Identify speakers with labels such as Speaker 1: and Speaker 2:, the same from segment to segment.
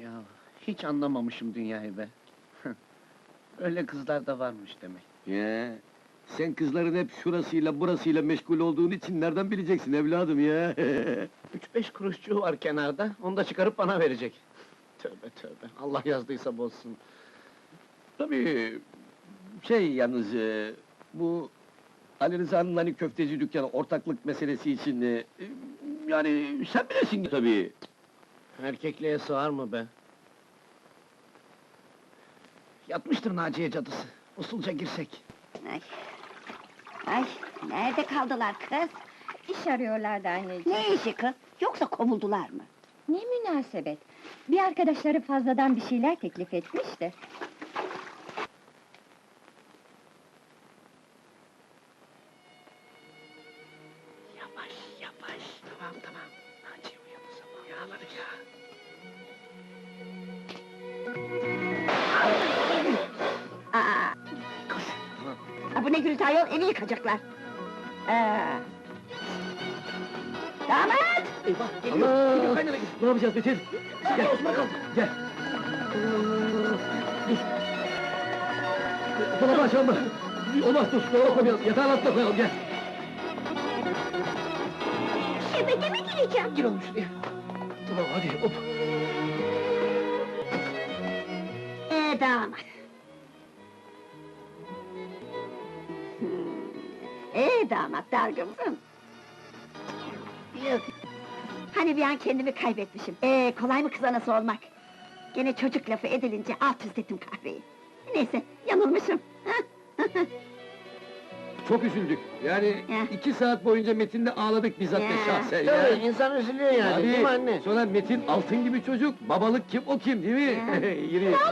Speaker 1: Ya hiç anlamamışım dünyayı be. Öyle kızlar da varmış demek.
Speaker 2: Ya, sen kızların hep şurasıyla burasıyla meşgul olduğun için nereden bileceksin evladım ya?
Speaker 1: 3-5 kuruşçuğu var kenarda, onu da çıkarıp bana verecek. Tövbe tövbe, Allah yazdıysa bozsun.
Speaker 2: Tabii, yalnız, bu Ali Rıza'nın hani köfteci dükkanı ortaklık meselesi için, yani sen bilirsin tabii.
Speaker 1: Erkekliğe sığar mı be? Yatmıştır Naciye cadısı, usulca girsek.
Speaker 3: Ay, ay, nerede kaldılar kız?
Speaker 4: İş arıyorlardı anneciğim.
Speaker 3: Ne işi kız? Yoksa kovuldular mı?
Speaker 4: Ne münasebet! Bir arkadaşları fazladan bir şeyler teklif etmiş de.
Speaker 1: Yavaş yavaş, tamam tamam. Naciye uyandı sabah, yağladık ya.
Speaker 3: Aa,
Speaker 1: Koş, tamam.
Speaker 3: bu ne gürültü ayol, evi yıkacaklar. Damat!
Speaker 1: Eyvah, geliyor, geliyor kaynana.
Speaker 2: Ne yapacağız Metin?
Speaker 1: Gel Osman kalk.
Speaker 2: Gel! Dur! Dolabı açalım mı? Olmaz, dur, dolaba koymayalım, yatağın altına koyalım, gel!
Speaker 3: Şebeke mi gireceğim?
Speaker 1: Gir oğlum şuraya.
Speaker 2: Tamam, hadi, hop!
Speaker 3: Damat! Damat, dargın mısın?
Speaker 1: Yok.
Speaker 3: Hani bir an kendimi kaybetmişim. Kolay mı kız anası olmak? Gene çocuk lafı edilince alt üst ettim kahveyi. Neyse, yanılmışım.
Speaker 2: Çok üzüldük, yani
Speaker 3: Ya.
Speaker 2: 2 saat boyunca Metin'le ağladık bizzat
Speaker 3: Ya.
Speaker 2: şahsen
Speaker 1: Tabii,
Speaker 2: ya!
Speaker 1: insan üzülüyor yani,
Speaker 2: Abi,
Speaker 1: değil mi anne?
Speaker 2: sonra Metin altın gibi çocuk, babalık kim o kim değil mi?
Speaker 3: Ya.
Speaker 2: Yürü!
Speaker 3: Ha?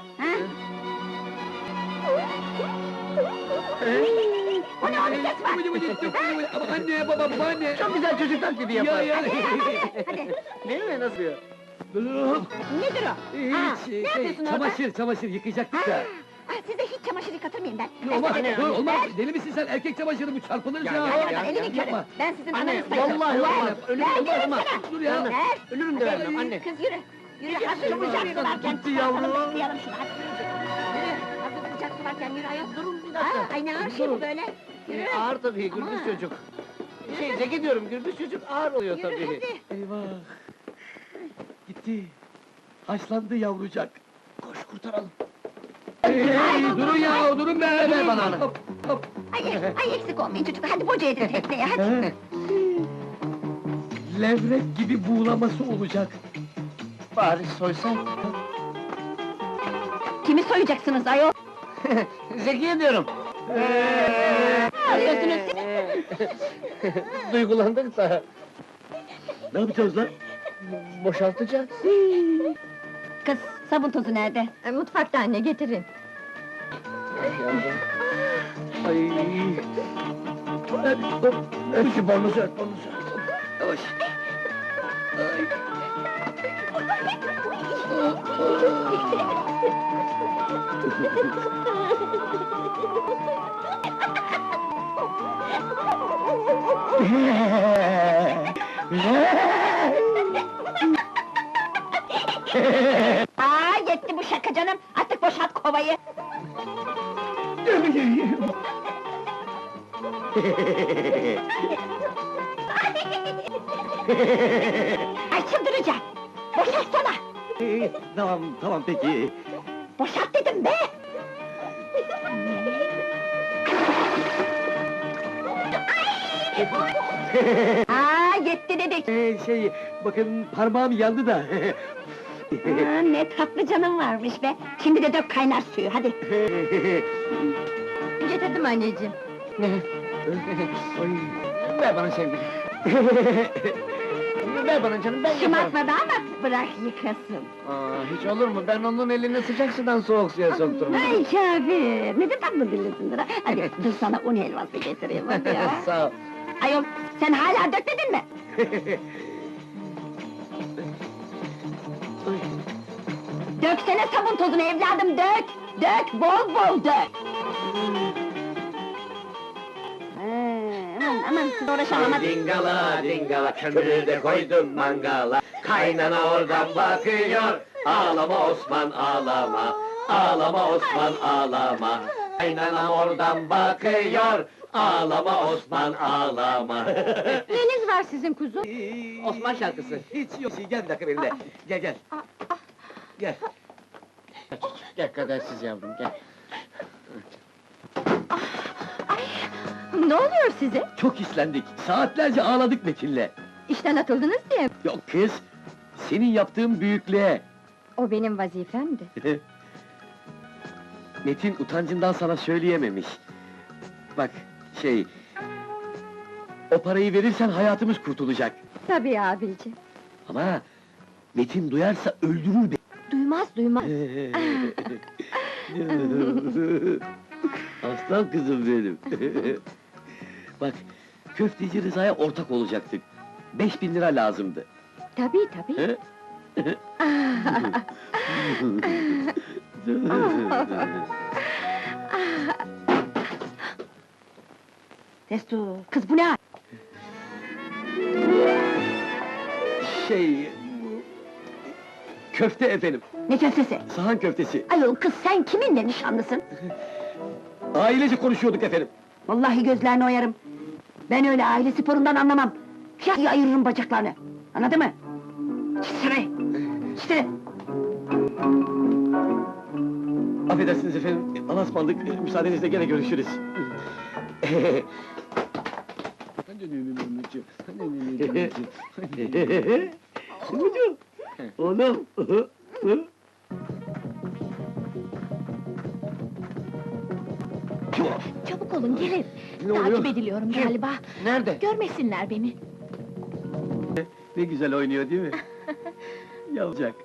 Speaker 3: O ne, o ne ses var?
Speaker 2: Ama anne, baba, babaanne!
Speaker 1: Çok güzel çocuk taklidi yapar.
Speaker 2: Ya,
Speaker 3: Hadi,
Speaker 1: Değil mi, nasıl diyor?
Speaker 3: nedir o?
Speaker 2: Hiç,
Speaker 3: ne yapıyorsun orada?
Speaker 2: çamaşır yıkayacaktık da!
Speaker 3: Size hiç çamaşır yıkatır mıyım ben?
Speaker 2: Olmaz,
Speaker 3: size-
Speaker 2: dur, olmaz!
Speaker 3: Ver!
Speaker 2: Deli misin sen? Erkek çamaşırı bu, çarpılırız
Speaker 1: Ya,
Speaker 2: ya!
Speaker 1: ya,
Speaker 3: Hayır,
Speaker 1: ya,
Speaker 3: elimin körü.
Speaker 2: yapma.
Speaker 3: Ben sizin
Speaker 1: Anne,
Speaker 3: ananız sayılırım.
Speaker 1: vallahi
Speaker 3: Ver!
Speaker 1: olmaz, ölürüm,
Speaker 3: Ver,
Speaker 1: olmaz,
Speaker 3: diyorum
Speaker 1: olmaz.
Speaker 3: sana!
Speaker 2: Dur ya!
Speaker 3: Ver!
Speaker 1: Ölürüm de vermem anne.
Speaker 3: Kız yürü! Yürü, hazır sıcak su varken
Speaker 2: Gitti
Speaker 3: çıkartalım,
Speaker 2: yavrum.
Speaker 3: bekleyelim şunu, hadi yürü! Yürü, hazır sıcak su varken yürü ayol!
Speaker 1: Durun bir dakika.
Speaker 3: Ay ne ağır şey bu
Speaker 1: Durun.
Speaker 3: böyle! Yürü!
Speaker 1: Ağır tabii, gürbüz
Speaker 3: Ama.
Speaker 1: çocuk. Zeki diyorum, gürbüz çocuk ağır oluyor
Speaker 3: Yürü
Speaker 1: tabii.
Speaker 3: hadi!
Speaker 2: Eyvah! Gitti! Haşlandı yavrucak!
Speaker 1: Koş kurtaralım.
Speaker 2: Hey, durun ya, durun be!
Speaker 1: Ver bana onu.
Speaker 2: Hop, hop!
Speaker 3: Ay eksik olmayın çocuklar, hadi boca edin tekneye, hadi!
Speaker 2: Levrek gibi buğulaması olacak!
Speaker 1: Bari soysan.
Speaker 3: Kimi soyacaksınız ayol?
Speaker 1: Zekiye diyorum.
Speaker 3: Ağlıyorsunuz
Speaker 1: Duygulandık da
Speaker 2: Ne yapacağız lan?
Speaker 1: boşaltacağız.
Speaker 3: Kız, sabun tozu nerede?
Speaker 4: Mutfakta anne, getirin.
Speaker 2: Ay! Hop! Öp şu balmuzu ört, balmuzu ört! Hop, yavaş! Ay!
Speaker 3: Yetti bu şaka canım, artık boşalt kovayı! Ay çıldıracağım! Boşaltsana!
Speaker 2: Tamam, tamam peki!
Speaker 3: Boşalt dedim be! Yetti dedik!
Speaker 2: Bakın parmağım yandı da!
Speaker 3: Ne tatlı canım varmış be! Şimdi de dök kaynar suyu, hadi!
Speaker 4: Getirdim anneciğim.
Speaker 2: Ay!
Speaker 1: Ver bana sevgilim. Ver bana canım, ben yaparım.
Speaker 3: Şımartma damat, bırak yıkasın!
Speaker 1: Hiç olur mu? Ben onun elini sıcak sudan soğuk suya sokturum.
Speaker 3: Ay Kafir, ne de tatlı dillisindir ha! Hadi, dur sana un helvası getireyim, hadi ya!
Speaker 1: Sağ ol.
Speaker 3: Ayol, sen hala dökmedin mi? Döksene sabun tozunu evladım, dök! Dök, bol bol dök! Aman, Aman siz uğraşamam hadi.
Speaker 2: Dingala dingala kömürü de koydum mangala. Kaynana oradan bakıyor. Ağlama Osman ağlama. Ağlama Osman ağlama. Kaynanam oradan bakıyor. Ağlama Osman ağlama.
Speaker 4: Neyiniz var sizin kuzum?
Speaker 1: Osman şarkısı.
Speaker 2: Hiç yok. Gel bir dakika benimle. Gel gel. Gel.
Speaker 1: Gel kadersiz yavrum, gel.
Speaker 4: Ne oluyor size?
Speaker 2: Çok islendik. Saatlerce ağladık Metin'le.
Speaker 4: İşten atıldınız diye.
Speaker 2: Yok kız. Senin yaptığın büyüklüğe.
Speaker 4: O benim vazifemdi.
Speaker 2: Metin utancından sana söyleyememiş. Bak, o parayı verirsen hayatımız kurtulacak.
Speaker 4: Tabii abicim.
Speaker 2: Ama Metin duyarsa öldürür beni.
Speaker 4: Duymaz.
Speaker 2: Aslan kızım benim. Bak, köfteci Rıza'ya ortak olacaktık. 5.000 lira lazımdı.
Speaker 4: Tabii.
Speaker 2: He?
Speaker 3: Testo, kız bu ne hal?
Speaker 2: Köfte efendim,
Speaker 3: Ne köftesi?
Speaker 2: sahan köftesi.
Speaker 3: Ayol kız sen kiminle nişanlısın?
Speaker 2: Ailece konuşuyorduk efendim.
Speaker 3: Vallahi gözlerini oyarım. Ben öyle aile sporundan anlamam. Şah ayırırım bacaklarını. Anladın mı? İşte. İşte.
Speaker 2: Affedersiniz efendim, Allah'a ısmarladık, müsaadenizle gene görüşürüz. Oğlum!
Speaker 5: Çabuk olun gelin.
Speaker 2: Ne oluyor?
Speaker 5: Takip ediliyorum galiba.
Speaker 1: Nerede?
Speaker 5: Görmesinler beni.
Speaker 2: Ne güzel oynuyor değil mi? Yavrucak.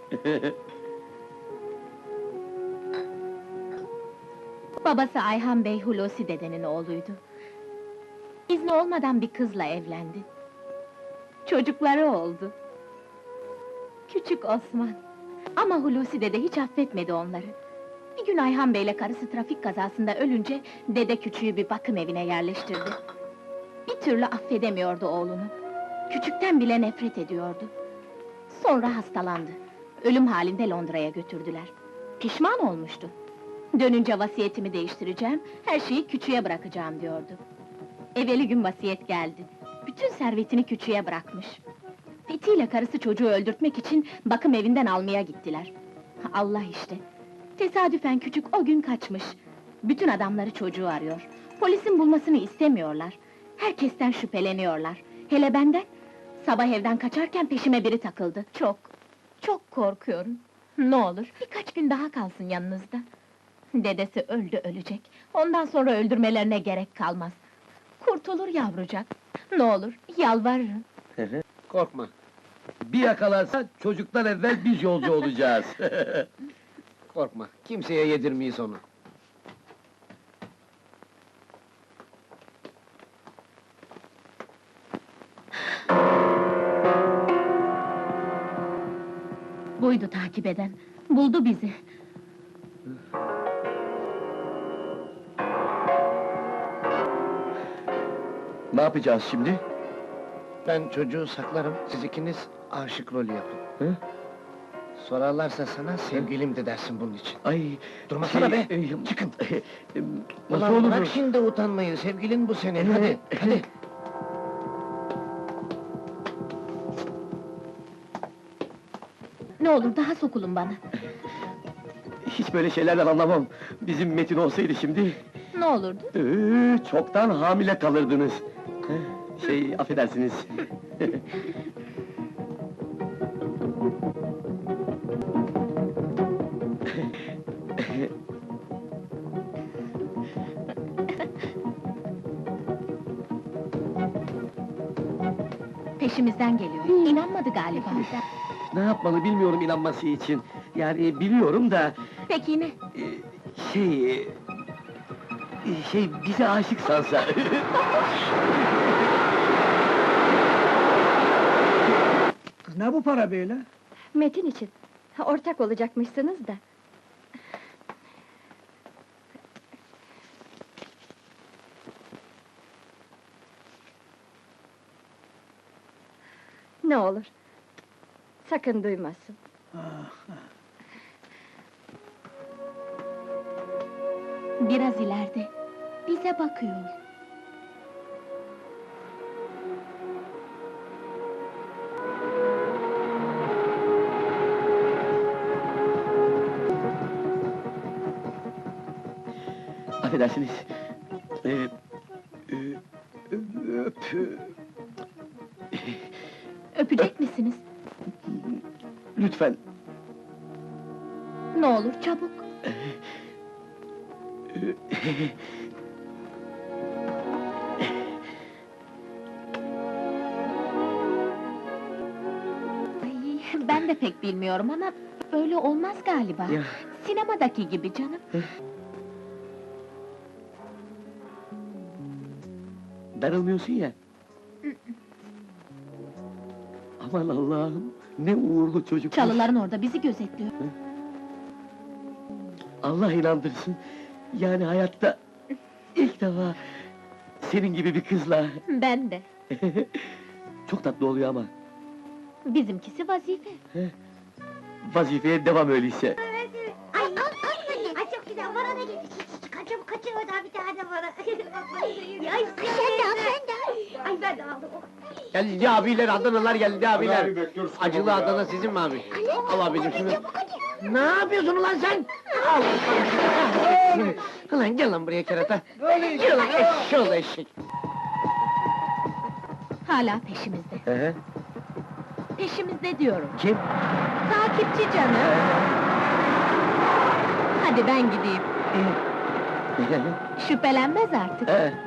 Speaker 5: Babası Ayhan Bey Hulusi dedenin oğluydu. İzni olmadan bir kızla evlendi. Çocukları oldu. Küçük Osman. Ama Hulusi dede hiç affetmedi onları. Bir gün Ayhan Bey'le karısı trafik kazasında ölünce dede küçüğü bir bakım evine yerleştirdi. Bir türlü affedemiyordu oğlunu. Küçükten bile nefret ediyordu. Sonra hastalandı. Ölüm halinde Londra'ya götürdüler. Pişman olmuştu. Dönünce vasiyetimi değiştireceğim, her şeyi küçüğe bırakacağım diyordu. Evveli gün vasiyet geldi. Bütün servetini küçüğe bırakmış. Fethi ile karısı çocuğu öldürtmek için bakım evinden almaya gittiler. Allah işte! Tesadüfen küçük o gün kaçmış. Bütün adamları çocuğu arıyor. Polisin bulmasını istemiyorlar. Herkesten şüpheleniyorlar. Hele benden! Sabah evden kaçarken peşime biri takıldı. Çok korkuyorum. Ne olur, birkaç gün daha kalsın yanınızda. Dedesi öldü ölecek. Ondan sonra öldürmelerine gerek kalmaz. Kurtulur yavrucak. Ne olur, yalvarırım.
Speaker 1: Korkma.
Speaker 2: Bir yakalarsa çocuktan evvel biz yolcu olacağız.
Speaker 1: Korkma, kimseye yedirmeyiz onu.
Speaker 5: Buydu takip eden. Buldu bizi.
Speaker 2: Ne yapacağız şimdi?
Speaker 1: Ben çocuğu saklarım, siz ikiniz aşık rolü yapın.
Speaker 2: Hı?
Speaker 1: Sorarlarsa sana sevgilim de dersin bunun için.
Speaker 2: Ay,
Speaker 1: Durmasana be!
Speaker 2: Çıkın!
Speaker 1: Ulan
Speaker 2: Nasıl olur?
Speaker 1: bırak şimdi utanmayı, sevgilin bu senin, hadi, hadi!
Speaker 5: Ne olur daha sokulun bana.
Speaker 2: Hiç böyle şeylerden anlamam. Bizim Metin olsaydı şimdi...
Speaker 5: Ne olurdu?
Speaker 2: Çoktan hamile kalırdınız. Affedersiniz.
Speaker 5: Peşimizden geliyor. İnanmadı galiba.
Speaker 2: Ne yapmalı bilmiyorum inanması için. Yani biliyorum da...
Speaker 5: Peki ne?
Speaker 2: Bize aşık sansa.
Speaker 6: Ne bu para böyle?
Speaker 4: Metin için. Ortak olacakmışsınız da. Ne olur. Sakın duymasın.
Speaker 5: Biraz ileride. Bize bakıyor.
Speaker 2: Affedersiniz. Öp...
Speaker 5: Öpecek misiniz?
Speaker 2: Lütfen.
Speaker 5: Ne olur çabuk. Ay, ben de pek bilmiyorum ama böyle olmaz galiba.
Speaker 2: Ya.
Speaker 5: Sinemadaki gibi canım.
Speaker 2: Darılmıyorsun ya. Aman Allah'ım, ne uğurlu çocuk.
Speaker 5: Çalıların orada bizi gözetliyor.
Speaker 2: Allah inandırsın. Yani hayatta ilk defa senin gibi bir kızla.
Speaker 5: Ben de.
Speaker 2: Çok tatlı oluyor ama.
Speaker 5: Bizimkisi vazife.
Speaker 2: Vazifeye devam öyleyse.
Speaker 3: Ay çok güzel, bana da getir. Kaçım kaçır oradan bir tane bana. Ay sen de. Ay ben de aldım.
Speaker 1: Geldi abiler, Adanalar geldi abiler. Acılı Adana sizin mi abi? Al abicim şunu. Ne yapıyorsun ulan sen? Al! Ulan gel lan buraya kerata. Gel lan eşşoğlu eşek.
Speaker 5: Hala peşimizde.
Speaker 2: Hı.
Speaker 5: Peşimizde diyorum.
Speaker 2: Kim?
Speaker 5: Takipçi canım. Hadi ben gideyim. Şüphelenmez artık.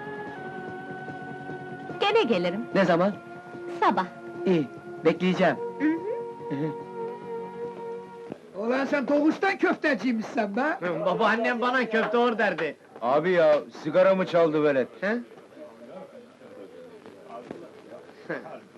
Speaker 5: Gene gelirim.
Speaker 2: Ne zaman?
Speaker 5: Sabah.
Speaker 2: İyi, bekleyeceğim.
Speaker 5: Hı hı.
Speaker 6: Ulan sen doğuştan köfteciymişsin be!
Speaker 1: Babaannem bana köfte or derdi.
Speaker 7: Abi ya, sigara mı çaldı velet?
Speaker 1: He?